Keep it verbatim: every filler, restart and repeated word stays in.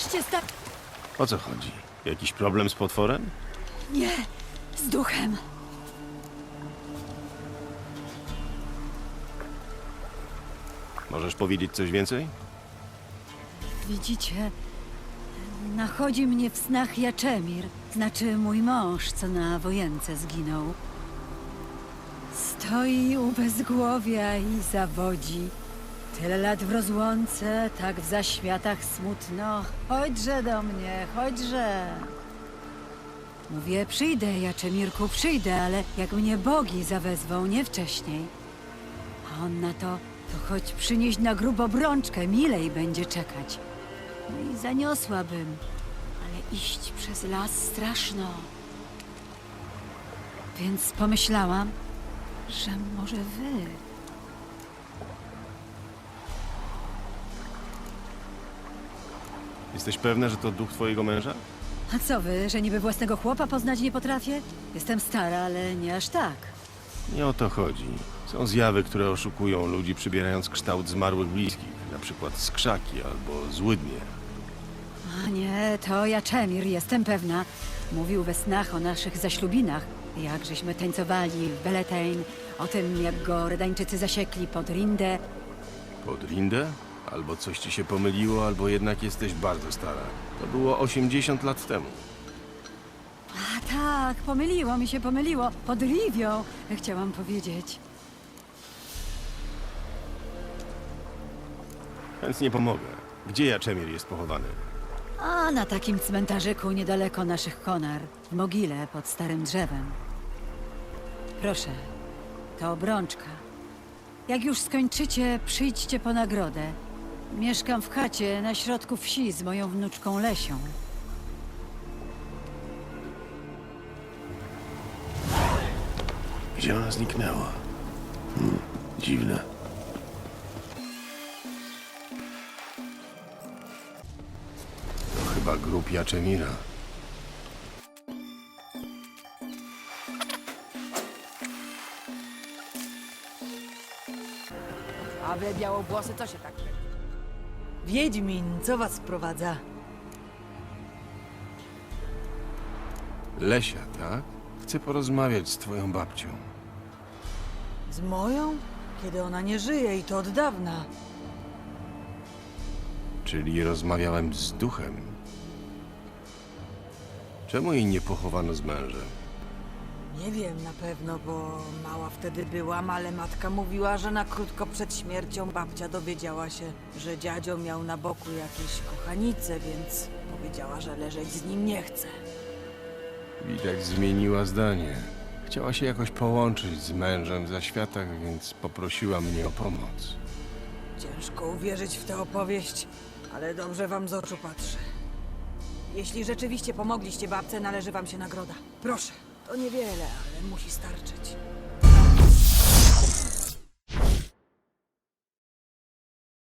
się sta... O co chodzi? Jakiś problem z potworem? Nie, z duchem. Możesz powiedzieć coś więcej? Widzicie, nachodzi mnie w snach Jaczemir, znaczy mój mąż, co na wojence zginął. Stoi u bezgłowia i zawodzi. Tyle lat w rozłące, tak w zaświatach smutno. Chodźże do mnie, chodźże. Mówię, przyjdę, Jaczemirku, przyjdę, ale jak mnie bogi zawezwą, nie wcześniej. A on na to, to choć przynieść na grób obrączkę, milej będzie czekać. No i zaniosłabym, ale iść przez las straszno. Więc pomyślałam, że może wy... Jesteś pewna, że to duch twojego męża? A co wy, że niby własnego chłopa poznać nie potrafię? Jestem stara, ale nie aż tak. Nie o to chodzi. Są zjawy, które oszukują ludzi, przybierając kształt zmarłych bliskich. Na przykład skrzaki albo złydnie. A nie, to Jaczemir, jestem pewna. Mówił we snach o naszych zaślubinach. Jak żeśmy tańcowali w Beletain, o tym, jak go Redańczycy zasiekli pod Rindę. Pod Rindę? Albo coś ci się pomyliło, albo jednak jesteś bardzo stara. To było osiemdziesiąt lat temu. A tak, pomyliło mi się, pomyliło. Pod Rivią, chciałam powiedzieć. Chętnie pomogę. Gdzie Jaczemir jest pochowany? A na takim cmentarzyku niedaleko naszych konar, w mogile pod starym drzewem. Proszę, to obrączka. Jak już skończycie, przyjdźcie po nagrodę. Mieszkam w chacie na środku wsi z moją wnuczką Lesią. Gdzie ona zniknęła? Hmm, dziwne. To chyba grób Jaczemira. A wy, białowłosy, co się tak... Wiedźmin, co was sprowadza? Lesia, tak? Chcę porozmawiać z twoją babcią. Z moją? Kiedy ona nie żyje i to od dawna. Czyli rozmawiałem z duchem. Czemu jej nie pochowano z mężem? Nie wiem na pewno, bo mała wtedy byłam, ale matka mówiła, że na krótko przed śmiercią babcia dowiedziała się, że dziadzio miał na boku jakieś kochanice, więc powiedziała, że leżeć z nim nie chce. Widać, zmieniła zdanie. Chciała się jakoś połączyć z mężem w zaświatach, więc poprosiła mnie o pomoc. Ciężko uwierzyć w tę opowieść, ale dobrze wam z oczu patrzę. Jeśli rzeczywiście pomogliście babce, należy wam się nagroda. Proszę, to niewiele, ale musi starczyć.